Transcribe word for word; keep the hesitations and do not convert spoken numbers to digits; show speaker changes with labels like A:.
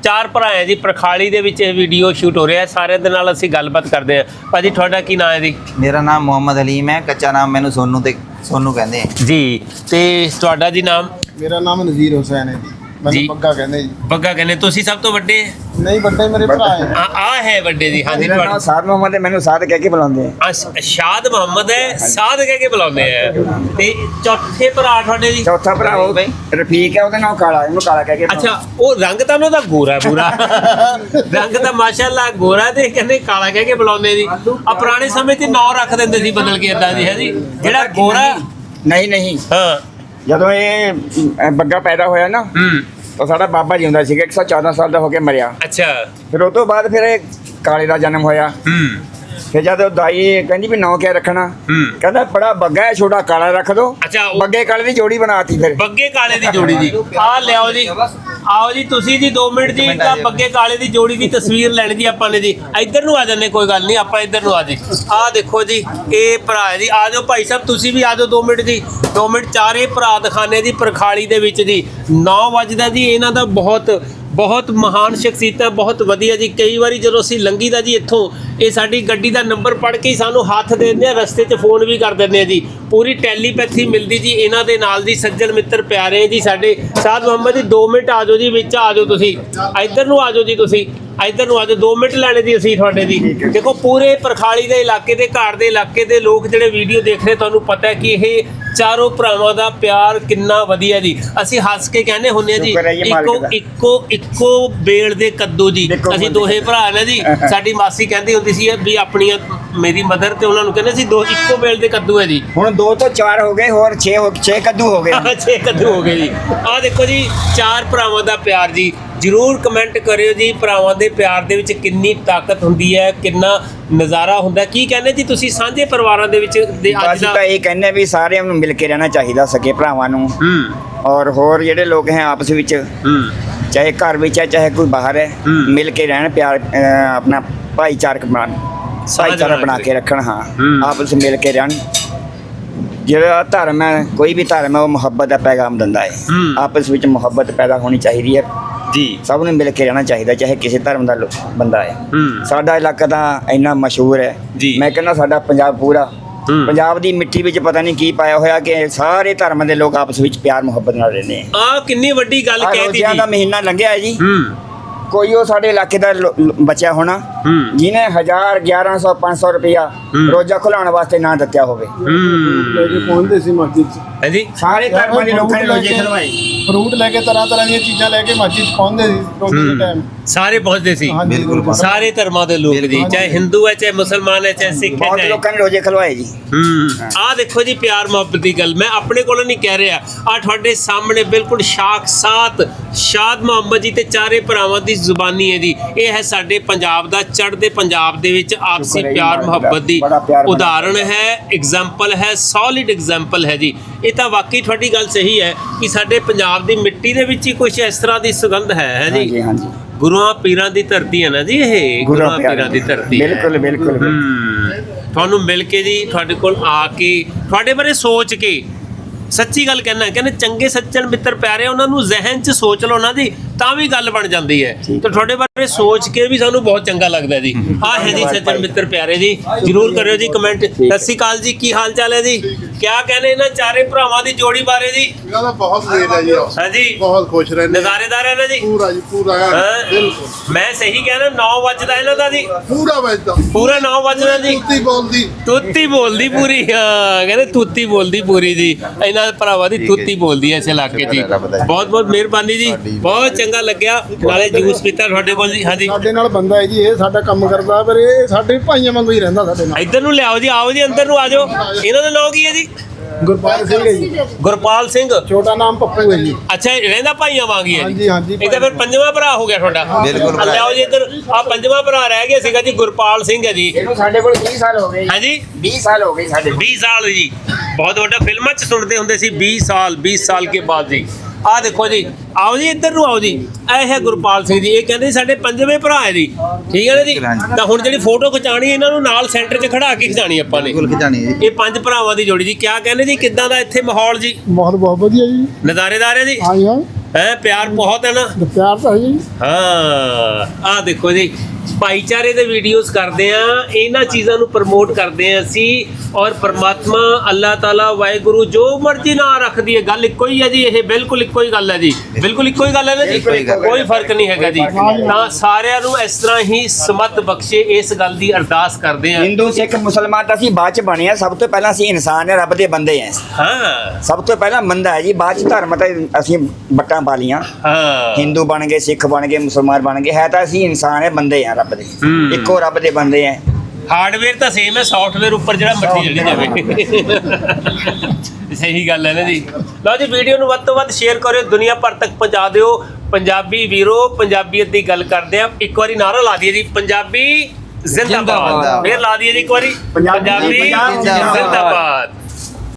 A: ਚਾਰ ਭਰਾ ਹੈ ਜੀ ਪਰਖਾਲੀ ਦੇ ਵਿੱਚ ਇਹ ਵੀਡੀਓ ਸ਼ੂਟ ਹੋ ਰਿਹਾ ਹੈ। ਸਾਰਿਆਂ ਦੇ ਨਾਲ ਅਸੀਂ ਗੱਲਬਾਤ ਕਰਦੇ ਹਾਂ। ਭਾਜੀ ਤੁਹਾਡਾ ਕੀ ਨਾਮ ਹੈ ਜੀ?
B: ਮੇਰਾ ਨਾਮ ਮੁਹੰਮਦ ਹਲੀਮ ਹੈ, ਕੱਚਾ ਨਾਮ ਮੈਨੂੰ ਸੋਨੂ ਤੇ ਸੋਨੂ ਕਹਿੰਦੇ ਆ
A: ਜੀ। ਤੇ ਤੁਹਾਡਾ ਜੀ ਨਾਮ?
C: ਮੇਰਾ ਨਾਮ ਨਜ਼ੀਰ ਹੁਸੈਨ ਹੈ ਜੀ, ਮੈਨੂੰ
A: ਜੀ।
C: ਬੱਗਾ ਕਹਿੰਦੇ ਜੀ।
A: ਬੱਗਾ ਕਹਿੰਦੇ। ਤੁਸੀਂ ਸਭ ਤੋਂ ਵੱਡੇ?
C: ਨਹੀਂ, ਵੱਡੇ ਮੇਰੇ ਭਰਾ ਹੈ।
A: ਆ ਆ ਹੈ ਵੱਡੇ ਜੀ। ਹਾਂਜੀ
B: ਮੇਰਾ ਨਾਮ ਸਾਦ ਮੁਹੰਮਦ ਹੈ, ਮੈਨੂੰ ਸਾਦ ਕਹਿ ਕੇ ਬੁਲਾਉਂਦੇ ਆ।
A: ਅਸ- ਸ਼ਾਦ ਮੁਹੰਮਦ ਹੈ, ਸਾਦ ਕਹਿ ਕੇ ਬੁਲਾਉਂਦੇ ਆ। ਤੇ ਚੌਥੇ ਭਰਾ ਤੁਹਾਡੇ ਜੀ?
B: ਚੌਥਾ ਭਰਾ ਉਹ ਰਫੀਕ ਹੈ, ਉਹਦਾ ਨਾਮ ਕਾਲਾ, ਉਹਨੂੰ ਕਾਲਾ ਕਹਿ ਕੇ
A: ਅੱਛਾ, ਉਹ ਰੰਗ ਤਾਂ ਉਹਨਾਂ ਦਾ ਗੋਰਾ ਪੂਰਾ ਰੰਗ ਤਾਂ ਮਾਸ਼ਾਅੱਲਾ ਗੋਰਾ, ਤੇ ਕਹਿੰਦੇ ਕਾਲਾ ਕਹਿ ਕੇ ਬੁਲਾਉਂਦੇ ਜੀ। ਆ ਪੁਰਾਣੇ ਸਮੇਂ 'ਚ ਨਾਂ ਰੱਖ ਦਿੰਦੇ ਸੀ ਬਦਲ ਕੇ ਏਦਾਂ ਜੀ, ਹੈ ਜੀ। ਜਿਹੜਾ ਗੋਰਾ
B: ਨਹੀਂ ਨਹੀਂ
A: ਹਾਂ
B: ਜਦੋਂ ਇਹ ਅ, ਬੱਗਾ ਪੈਦਾ ਹੋਇਆ ਨਾ
A: ਹੂੰ
B: ਤਾਂ ਸਾਡਾ ਬਾਬਾ ਜੀ ਹੁੰਦਾ ਸੀਗਾ, ਇੱਕ ਸੌ ਚੌਦਾਂ ਸਾਲ ਦਾ ਹੋ ਕੇ ਮਰਿਆ।
A: ਅੱਛਾ
B: ਫਿਰ ਉਹ ਤੋਂ ਬਾਅਦ ਫਿਰ ਇਹ ਕਾਲੇ ਦਾ ਜਨਮ ਹੋਇਆ।
A: ਹੂੰ
B: ਫਿਰ ਜਦ ਉਹ ਦਾਈ ਕਹਿੰਦੀ ਵੀ ਨਾਂ ਕਿਆ ਰੱਖਣਾ,
A: ਹੂੰ
B: ਕਹਿੰਦਾ ਬੜਾ ਬੱਗਾ ਹੈ, ਛੋਟਾ ਕਾਲਾ ਰੱਖ ਦੋ।
A: ਅੱਛਾ, ਉਹ-
B: ਬੱਗੇ ਕਾਲੇ ਦੀ ਜੋੜੀ ਬਣਾਤੀ ਫਿਰ।
A: ਬੱਗੇ ਕਾਲੇ ਦੀ ਜੋੜੀ ਜੀ। ਆ ਲਿਆਓ ਜੀ, ਆਓ ਜੀ ਤੁਸੀਂ ਜੀ ਦੋ ਮਿੰਟ ਜੀ। ਤਾਂ ਬੱਗੇ ਕਾਲੇ ਦੀ ਜੋੜੀ ਦੀ ਤਸਵੀਰ ਲੈਣੀ ਜੀ ਆਪਾਂ ਨੇ ਜੀ। ਇੱਧਰ ਨੂੰ ਆ ਜਾਂਦੇ, ਕੋਈ ਗੱਲ ਨਹੀਂ, ਆਪਾਂ ਇੱਧਰ ਨੂੰ ਆ ਜੀ। ਆਹ ਦੇਖੋ ਜੀ, ਇਹ ਭਰਾ ਹੈ ਜੀ। ਆ ਜਾਓ ਭਾਈ ਸਾਹਿਬ, ਤੁਸੀਂ ਵੀ ਆ ਜਾਓ ਦੋ ਮਿੰਟ ਜੀ। ਦੋ ਮਿੰਟ ਚਾਰੇ ਭਰਾ ਦਿਖਾਣੇ ਜੀ ਪਰਖਾਲੀ ਦੇ ਵਿੱਚ ਜੀ। ਨੌ ਵਜਦਾ ਜੀ। ਇਹਨਾਂ ਦਾ ਬਹੁਤ ਬਹੁਤ ਮਹਾਨ ਸ਼ਖਸੀਅਤ ਹੈ, ਬਹੁਤ ਵਧੀਆ ਜੀ। ਕਈ ਵਾਰੀ ਜਦੋਂ ਅਸੀਂ ਲੰਘੀ ਦਾ ਜੀ ਇੱਥੋਂ, ਇਹ ਸਾਡੀ ਗੱਡੀ ਦਾ ਨੰਬਰ ਪੜ੍ਹ ਕੇ ਹੀ ਸਾਨੂੰ ਹੱਥ ਦੇ ਦਿੰਦੇ ਆ, ਰਸਤੇ 'ਚ ਫੋਨ ਵੀ ਕਰ ਦਿੰਦੇ ਆ ਜੀ। ਪੂਰੀ ਟੈਲੀਪੈਥੀ ਮਿਲਦੀ ਜੀ ਇਹਨਾਂ ਦੇ ਨਾਲ ਜੀ। ਸੱਜਣ ਮਿੱਤਰ ਪਿਆਰੇ ਜੀ ਸਾਡੇ। ਸਾਦ ਮੁਹੰਮਦ ਜੀ ਦੋ ਮਿੰਟ ਆ ਜਾਓ ਜੀ, ਵਿੱਚ ਆ ਜਾਓ ਤੁਸੀਂ। ਇੱਧਰ ਨੂੰ ਆ ਜਾਓ ਜੀ, ਤੁਸੀਂ ਇੱਧਰ ਨੂੰ ਆ ਜਾਓ। ਦੋ ਮਿੰਟ ਲੈਣੇ ਜੀ ਅਸੀਂ ਤੁਹਾਡੇ ਜੀ। ਦੇਖੋ ਪੂਰੇ ਪਰਖਾਲੀ ਦੇ ਇਲਾਕੇ ਦੇ, ਘਾਟ ਦੇ ਇਲਾਕੇ ਦੇ ਲੋਕ ਜਿਹੜੇ ਵੀਡੀਓ ਦੇਖ ਰਹੇ, ਤੁਹਾਨੂੰ ਪਤਾ ਹੈ ਕਿ ਇਹ ਚਾਰੋਂ ਭਰਾਵਾਂ ਦਾ ਪਿਆਰ ਕਿੰਨਾ ਵਧੀਆ ਜੀ। ਅਸੀਂ ਹੱਸ ਕੇ ਕਹਿੰਦੇ ਹੁੰਦੇ ਆ ਜੀ, ਇੱਕੋ ਇੱਕੋ ਇੱਕੋ ਬੇਲ ਦੇ ਕੱਦੂ ਜੀ। ਅਸੀਂ ਦੋਹੇ ਭਰਾ ਨੇ ਜੀ। ਸਾਡੀ ਮਾਸੀ ਕਹਿੰਦੀ ਹੁੰਦੀ ਸੀ ਵੀ ਆਪਣੀਆਂ, ਮੇਰੀ ਮਦਰ ਤੇ ਉਹਨਾਂ ਨੂੰ ਕਹਿੰਦੇ ਸੀ ਦੋ ਇੱਕੋ ਬੇਲ ਦੇ ਕੱਦੂ ਹੈ ਜੀ।
B: ਹੁਣ ਦੋ ਤੋਂ ਚਾਰ ਹੋ ਗਏ, ਹੋਰ ਛੇ ਹੋ ਛੇ ਕੱਦੂ ਹੋ ਗਏ।
A: ਛੇ ਕੱਦੂ ਹੋ ਗਏ ਜੀ। ਆਹ ਦੇਖੋ ਜੀ, ਚਾਰ ਭਰਾਵਾਂ ਦਾ ਪਿਆਰ ਜੀ। ਜ਼ਰੂਰ ਕਮੈਂਟ ਕਰਿਓ ਜੀ, ਭਰਾਵਾਂ ਦੇ ਪਿਆਰ ਦੇ ਵਿੱਚ ਕਿੰਨੀ ਤਾਕਤ ਹੁੰਦੀ ਹੈ, ਕਿੰਨਾ ਨਜ਼ਾਰਾ ਹੁੰਦਾ। ਕੀ ਕਹਿੰਦੇ ਜੀ ਤੁਸੀਂ ਸਾਂਝੇ ਪਰਿਵਾਰਾਂ ਦੇ ਵਿੱਚ ਦੇ ਅੱਜ
B: ਅਸੀਂ
A: ਦਾ?
B: ਤਾਂ ਇਹ ਕਹਿੰਦੇ ਵੀ ਸਾਰਿਆਂ ਨੂੰ ਮਿਲ ਕੇ ਰਹਿਣਾ ਚਾਹੀਦਾ, ਸਕੇ ਭਰਾਵਾਂ ਨੂੰ।
A: ਹੂੰ
B: ਔਰ ਹੋਰ ਜਿਹੜੇ ਲੋਕ ਹੈ ਆਪਸ ਵਿੱਚ,
A: ਹੂੰ
B: ਚਾਹੇ ਘਰ ਵਿੱਚ ਹੈ ਚਾਹੇ ਕੋਈ ਬਾਹਰ ਹੈ,
A: ਹੂੰ।
B: ਮਿਲ ਕੇ ਰਹਿਣ, ਪਿਆਰ ਅ, ਆਪਣਾ ਭਾਈਚਾਰਕ ਬਣਾ ਭਾਈਚਾਰਾ ਬਣਾ ਕੇ ਰੱਖਣ। ਹਾਂ,
A: ਹੂੰ।
B: ਆਪਸ ਵਿੱਚ ਮਿਲ ਕੇ ਰਹਿਣ। ਜਿਹੜਾ ਧਰਮ ਹੈ, ਕੋਈ ਵੀ ਧਰਮ ਹੈ, ਉਹ ਮੁਹੱਬਤ ਦਾ ਪੈਗਾਮ ਦਿੰਦਾ ਹੈ।
A: ਹੂੰ।
B: ਆਪਸ ਵਿੱਚ ਮੁਹੱਬਤ ਪੈਦਾ ਹੋਣੀ ਚਾਹੀਦੀ ਹੈ
A: ਜੀ।
B: ਸਭ ਨੂੰ ਮਿਲ ਕੇ ਰਹਿਣਾ ਚਾਹੀਦਾ, ਚਾਹੇ ਕਿਸੇ ਧਰਮ ਦਾ ਲੋ- ਬੰਦਾ ਹੈ।
A: ਹੂੰ
B: ਸਾਡਾ ਇਲਾਕਾ ਤਾਂ ਇੰਨਾ ਮਸ਼ਹੂਰ ਹੈ
A: ਜੀ।
B: ਮੈਂ ਕਹਿੰਦਾ ਸਾਡਾ ਪੰਜਾਬ ਪੂਰਾ,
A: ਹੂੰ।
B: ਪੰਜਾਬ ਦੀ ਮਿੱਟੀ ਵਿੱਚ ਪਤਾ ਨਹੀਂ ਕੀ ਪਾਇਆ ਹੋਇਆ ਕਿ ਸਾਰੇ ਧਰਮਾਂ ਦੇ ਲੋਕ ਆਪਸ ਵਿੱਚ ਪਿਆਰ ਮੁਹੱਬਤ ਨਾਲ ਰਹਿੰਦੇ ਆ।
A: ਆਹ ਕਿੰਨੀ ਵੱਡੀ ਗੱਲ
B: ਆਹ
A: ਕਹਿਤੀ
B: ਰੋਜ਼ਿਆਂ
A: ਜੀ।
B: ਦਾ ਮਹੀਨਾ ਲੰਘਿਆ ਹੈ ਜੀ।
A: ਹੂੰ
B: ਕੋਈ ਉਹ ਸਾਡੇ ਇਲਾਕੇ ਦਾ ਲੋ- ਲੋ- ਬੱਚਾ ਹੋਣਾ
A: ਹੂੰ
B: ਜਿਹਨੇ ਹਜ਼ਾਰ ਗਿਆਰਾਂ ਸੌ ਪੰਜ ਸੌ ਰੁਪਇਆ
A: ਹੂੰ।
B: ਰੋਜ਼ਾ ਖੁਲਾਉਣ ਵਾਸਤੇ ਨਾ ਦਿੱਤਾ ਹੋਵੇ।
C: ਲੈ ਕੇ
A: ਹੂੰ
C: ਪਹੁੰਚਦੇ ਸੀ ਮਸਜਿਦ 'ਚ।
A: ਹੈ ਜੀ।
B: ਸਾਰੇ ਧਰਮਾਂ ਦੇ ਲੋਕਾਂ ਨੇ ਰੋਜ਼ੇ ਖਲਵਾਏ।
C: ਫਰੂਟ ਲੈ ਕੇ, ਤਰ੍ਹਾਂ ਤਰ੍ਹਾਂ ਦੀਆਂ ਚੀਜ਼ਾਂ ਲੈ ਕੇ ਮਸਜਿਦ 'ਚ ਪਹੁੰਚਦੇ ਸੀ ਰੋਜ਼ੇ ਦੇ ਟਾਈਮ।
A: ਸਾਰੇ ਪਹੁੰਚਦੇ ਸੀ।
C: ਹਾਂਜੀ, ਬਿਲਕੁਲ।
A: ਸਾਰੇ ਧਰਮਾਂ ਦੇ ਲੋਕ ਜੀ, ਚਾਹੇ ਹਿੰਦੂ ਹੈ, ਚਾਹੇ ਮੁਸਲਮਾਨ ਹੈ, ਚਾਹੇ ਸਿੱਖ ਹੈ,
B: ਬਹੁਤ
A: ਚਾਹੇ
B: ਲੋਕਾਂ ਨੇ ਰੋਜ਼ੇ ਖਲਵਾਏ ਜੀ।
A: ਹੂੰ ਆਹ ਦੇਖੋ ਜੀ, ਪਿਆਰ ਮੁਹੱਬਤ ਦੀ ਗੱਲ ਮੈਂ ਆਪਣੇ ਕੋਲੋਂ ਨਹੀਂ ਕਹਿ ਰਿਹਾ। ਆ ਤੁਹਾਡੇ ਸਾਹਮਣੇ ਬਿਲਕੁਲ ਸਾਖਸਾਤ ਸ਼ਾਦ ਮੁਹੰਮਦ ਜੀ ਤੇ ਚਾਰੇ ਭਰਾਵਾਂ ਦੀ ਜ਼ੁਬਾਨੀ ਹੈ ਜੀ। ਇਹ ਹੈ ਸਾਡੇ ਪੰਜਾਬ ਦਾ, ਚੜ੍ਹਦੇ ਪੰਜਾਬ ਦੇ ਵਿੱਚ ਆਪਸੀ
B: ਸ਼ੁਕਰ ਹੈ ਜੀ,
A: ਪਿਆਰ
B: ਬੜਾ-
A: ਮੁਹੱਬਤ ਦੀ
B: ਬੜਾ ਪਿਆਰ ਬਣਾ।
A: ਉਦਾਹਰਣ ਹੈ, ਐਗਜ਼ਾਮਪਲ ਹੈ, ਸੋਲਿਡ ਐਗਜ਼ਾਮਪਲ ਹੈ ਜੀ। ਇਹ ਤਾਂ ਵਾਕਈ ਤੁਹਾਡੀ ਗੱਲ ਸਹੀ ਹੈ ਕਿ ਸਾਡੇ ਪੰਜਾਬ ਦੀ ਮਿੱਟੀ ਦੇ ਵਿੱਚ ਹੀ ਕੁਝ ਇਸ ਤਰ੍ਹਾਂ ਦੀ ਸੁਗੰਧ ਹੈ ਹੈ ਜੀ।
B: ਹਾਂਜੀ ਹਾਂਜੀ,
A: ਗੁਰੂਆਂ ਪੀਰਾਂ ਦੀ ਧਰਤੀ ਹੈ ਨਾ ਜੀ, ਇਹ ਗੁਰੂਆਂ ਪੀਰਾਂ ਦੀ ਧਰਤੀ ਹੈ।
B: ਬਿਲਕੁਲ ਬਿਲਕੁਲ।
A: ਹੂੰ ਤੁਹਾਨੂੰ ਮਿਲ ਕੇ ਜੀ, ਤੁਹਾਡੇ ਕੋਲ ਆ ਕੇ, ਤੁਹਾਡੇ ਬਾਰੇ ਸੋਚ ਕੇ, ਸੱਚੀ ਗੱਲ ਕਹਿਣਾ, ਕਹਿੰਦੇ ਚੰਗੇ ਸੱਜਣ ਮਿੱਤਰ ਪਿਆਰੇ, ਉਹਨਾਂ ਨੂੰ ਜ਼ਿਹਨ 'ਚ ਸੋਚ ਲਓ ਨਾ ਜੀ, ਤਾਂ ਵੀ ਗੱਲ ਬਣ ਜਾਂਦੀ ਹੈ। ਤੇ ਤੁਹਾਡੇ ਬਾਰੇ ਸੋਚ ਕੇ ਵੀ ਸਾਨੂੰ ਬਹੁਤ ਚੰਗਾ ਲੱਗਦਾ ਜੀ। ਆਹ ਹੈ ਜੀ ਸੱਜਣ ਮਿੱਤਰ ਪਿਆਰੇ ਜੀ। ਜਰੂਰ ਕਰਿਓ ਜੀ ਕਮੈਂਟ। ਸਤਿ ਸ਼੍ਰੀ ਅਕਾਲ ਜੀ, ਕੀ ਹਾਲ ਚਾਲ ਹੈ ਜੀ? ਕਿਆ ਕਹਿੰਦੇ ਇਹਨਾਂ ਚਾਰੇ ਭਰਾਵਾਂ ਦੀ ਜੋੜੀ ਬਾਰੇ ਜੀ?
C: ਇਹਨਾਂ ਦਾ ਬਹੁਤ ਲੇਟ ਹੈ ਜੀ।
A: ਹਾਂਜੀ,
C: ਬਹੁਤ ਖੁਸ਼ ਰਹਿੰਦੇ।
A: ਨਜ਼ਾਰੇਦਾਰ ਹੈ ਨਾ ਜੀ?
C: ਪੂਰਾ ਜੀ, ਪੂਰਾ
A: ਹਾਂ।
C: ਬਿਲਕੁਲ।
A: ਮੈਂ ਸਹੀ ਕਹਿਣਾ, ਨੌ ਵੱਜਦਾ ਇਹਨਾਂ ਦਾ ਜੀ?
C: ਪੂਰਾ ਵੱਜਦਾ,
A: ਪੂਰਾ ਨੌ ਵੱਜਣਾ ਜੀ।
C: ਕੁੱਤੀ ਬੋਲਦੀ,
A: ਤੁੱਤੀ ਬੋਲਦੀ ਪੂਰੀ। ਹਾਂ ਕਹਿੰਦੇ ਤੁੱਤੀ ਬੋਲਦੀ ਪੂਰੀ ਜੀ। ਇਹਨਾਂ ਭਰਾਵਾਂ ਦੀ ਤੁੱਤੀ ਬੋਲਦੀ ਐ ਇਸ ਇਲਾਕੇ ਜੀ। ਬਹੁਤ ਬਹੁਤ ਮਿਹਰਬਾਨੀ ਜੀ, ਬਹੁਤ ਚੰਗਾ ਲੱਗਿਆ। ਨਾਲੇ ਜੂਸ ਪੀਤਾ ਤੁਹਾਡੇ ਕੋਲ ਜੀ। ਹਾਂਜੀ,
C: ਸਾਡੇ ਨਾਲ ਬੰਦਾ ਹੈ ਜੀ, ਇਹ ਸਾਡਾ ਕੰਮ ਕਰਦਾ, ਪਰ ਇਹ ਸਾਡੇ ਭਾਈਆਂ ਵਾਂਗੂ ਹੀ ਰਹਿੰਦਾ ਸਾਡੇ ਨਾਲ।
A: ਇੱਧਰ ਨੂੰ ਲਿਆਓ ਜੀ, ਆਓ ਜੀ ਅੰਦਰ ਨੂੰ ਆ ਜਾਓ। ਇਹਨਾਂ ਦਾ ਨਾਮ ਕੀ ਹੈ ਜੀ?
C: ਗੁਰਪਾਲ ਸਿੰਘ ਹੈ ਜੀ।
A: ਗੁਰਪਾਲ ਸਿੰਘ।
C: ਛੋਟਾ ਨਾਮ ਪੱਪੂ ਹੈ ਜੀ।
A: ਅੱਛਾ, ਇਹ ਰਹਿੰਦਾ ਭਾਈਆਂ ਵਾਂਗ ਹੀ ਹੈ ਜੀ।
C: ਹਾਂਜੀ ਹਾਂਜੀ।
A: ਇਹ ਤਾਂ ਫਿਰ ਪੰਜਵਾਂ ਭਰਾ ਹੋ ਗਿਆ ਤੁਹਾਡਾ।
B: ਬਿਲਕੁਲ।
A: ਆ ਲਿਆਓ ਜੀ ਇੱਧਰ। ਆ ਪੰਜਵਾਂ ਭਰਾ ਰਹਿ ਗਿਆ ਸੀਗਾ ਜੀ, ਗੁਰਪਾਲ ਸਿੰਘ ਹੈ ਜੀ।
B: ਇਹਨੂੰ ਸਾਡੇ ਕੋਲ ਵੀਹ ਸਾਲ ਹੋ ਗਏ।
A: ਹਾਂਜੀ,
B: ਵੀਹ ਸਾਲ ਹੋ ਗਏ ਸਾਡੇ ਕੋਲ।
A: बीस साल जी। बहुत ਵੱਡਾ ਫਿਲਮਾਂ 'ਚ ਸੁਣਦੇ ਹੁੰਦੇ ਸੀ बीस साल बीस साल के बाद जी। ਆਹ ਦੇਖੋ ਜੀ, ਆਓ ਜੀ ਇੱਧਰ ਨੂੰ ਆਓ ਜੀ। ਇਹ ਹੈ ਗੁਰਪਾਲ ਸਿੰਘ ਜੀ। ਇਹ ਕਹਿੰਦੇ ਸਾਡੇ ਪੰਜਵੇਂ ਭਰਾ ਹੈ ਜੀ, ਠੀਕ ਹੈ ਨਾ ਜੀ। ਤਾਂ ਹੁਣ ਜਿਹੜੀ ਫੋਟੋ ਖਿਚਾਣੀ, ਇਹਨਾਂ ਨੂੰ ਨਾਲ ਸੈਂਟਰ 'ਚ ਖੜਾ ਕੇ ਖਿਚਾਣੀ ਆਪਾਂ ਨੇ। ਇਹ ਪੰਜ ਭਰਾਵਾਂ ਦੀ ਜੋੜੀ ਜੀ। ਕਿਆ ਕਹਿੰਦੇ ਜੀ, ਕਿੱਦਾਂ ਦਾ ਇੱਥੇ ਮਾਹੌਲ ਜੀ?
C: ਬਹੁਤ ਬਹੁਤ ਵਧੀਆ ਜੀ।
A: ਨਜ਼ਾਰੇਦਾਰ ਹੈ ਜੀ।
C: ਹਾਂਜੀ ਹਾਂ।
A: ਹੈ ਪਿਆਰ ਬਹੁਤ ਹੈ ਨਾ।
C: ਪਿਆਰ ਤਾਂ ਹੈ ਜੀ।
A: ਹਾਂ ਆਹ ਦੇਖੋ ਜੀ ਭਾਈਚਾਰੇ ਦੇ ਵੀਡੀਓਜ਼ ਕਰਦੇ ਆ, ਇਹਨਾਂ ਚੀਜ਼ਾਂ ਨੂੰ ਪ੍ਰਮੋਟ ਕਰਦੇ ਆ ਅਸੀਂ। ਔਰ ਪਰਮਾਤਮਾ ਅੱਲਾਹ ਤਾਲਾ ਵਾਹਿਗੁਰੂ ਜੋ ਮਰਜ਼ੀ ਨਾਂ ਰੱਖਦੀ ਹੈ, ਗੱਲ ਇੱਕੋ ਹੀ ਹੈ ਜੀ। ਇਹ ਬਿਲਕੁਲ ਇੱਕੋ ਹੀ ਗੱਲ ਹੈ ਜੀ, ਬਿਲਕੁਲ ਇੱਕੋ ਹੀ ਗੱਲ ਹੈ ਨਾ ਜੀ, ਕੋਈ ਫਰਕ ਨਹੀਂ ਹੈਗਾ ਜੀ। ਤਾਂ ਸਾਰਿਆਂ ਨੂੰ ਇਸ ਤਰ੍ਹਾਂ ਹੀ ਸਮਤ ਬਖਸ਼ੇ, ਇਸ ਗੱਲ ਦੀ ਅਰਦਾਸ ਕਰਦੇ ਆ।
B: ਹਿੰਦੂ ਸਿੱਖ ਮੁਸਲਮਾਨ ਤਾਂ ਅਸੀਂ ਬਾਅਦ ਚ ਬਣੇ ਆ, ਸਭ ਤੋਂ ਪਹਿਲਾਂ ਅਸੀਂ ਇਨਸਾਨ ਹੈ, ਰੱਬ ਦੇ ਬੰਦੇ ਆ।
A: ਹਾਂ
B: ਸਭ ਤੋਂ ਪਹਿਲਾਂ ਬੰਦਾ ਹੈ ਜੀ, ਬਾਅਦ ਚ ਧਰਮ ਤਾਂ ਅਸੀਂ ਬੱਟਾਂ ਪਾ ਲੀਆਂ।
A: ਹਾਂ
B: ਹਿੰਦੂ ਬਣ ਗਏ, ਸਿੱਖ ਬਣ ਗਏ, ਮੁਸਲਮਾਨ ਬਣ ਗਏ, ਹੈ ਤਾਂ ਅਸੀਂ ਇਨਸਾਨ ਹੈ, ਬੰਦੇ ਆ ਰੱਬ ਦੇ,
A: ਹੂੰ।
B: ਇੱਕੋ ਰੱਬ ਦੇ ਬੰਦੇ ਆ।
A: ਹਾਰਡਵੇਅਰ ਤਾਂ ਸੇਮ ਹੈ, ਸੌਫਟਵੇਅਰ ਉੱਪਰ ਜਿਹੜਾ ਮਰਜ਼ੀ ਚੱਲੀ ਜਾਵੇ। ਸਹੀ ਗੱਲ ਹੈ ਨਾ ਜੀ। ਲਓ ਜੀ ਵੀਡੀਓ ਨੂੰ ਵੱਧ ਤੋਂ ਵੱਧ ਸ਼ੇਅਰ ਕਰਿਓ, ਦੁਨੀਆ ਭਰ ਤੱਕ ਪਹੁੰਚਾ ਦਿਓ। ਪੰਜਾਬੀ ਵੀਰੋ, ਪੰਜਾਬੀਅਤ ਦੀ ਗੱਲ ਕਰਦੇ ਆ। ਇੱਕ ਵਾਰੀ ਨਾਰਾ ਲਾ ਦਈਏ ਜੀ, ਪੰਜਾਬੀ ਜ਼ਿੰਦਾਬਾਦ। ਫੇਰ ਲਾ ਦਈਏ ਜੀ ਇੱਕ ਵਾਰੀ, ਪੰਜਾਬੀ ਜ਼ਿੰਦਾਬਾਦ।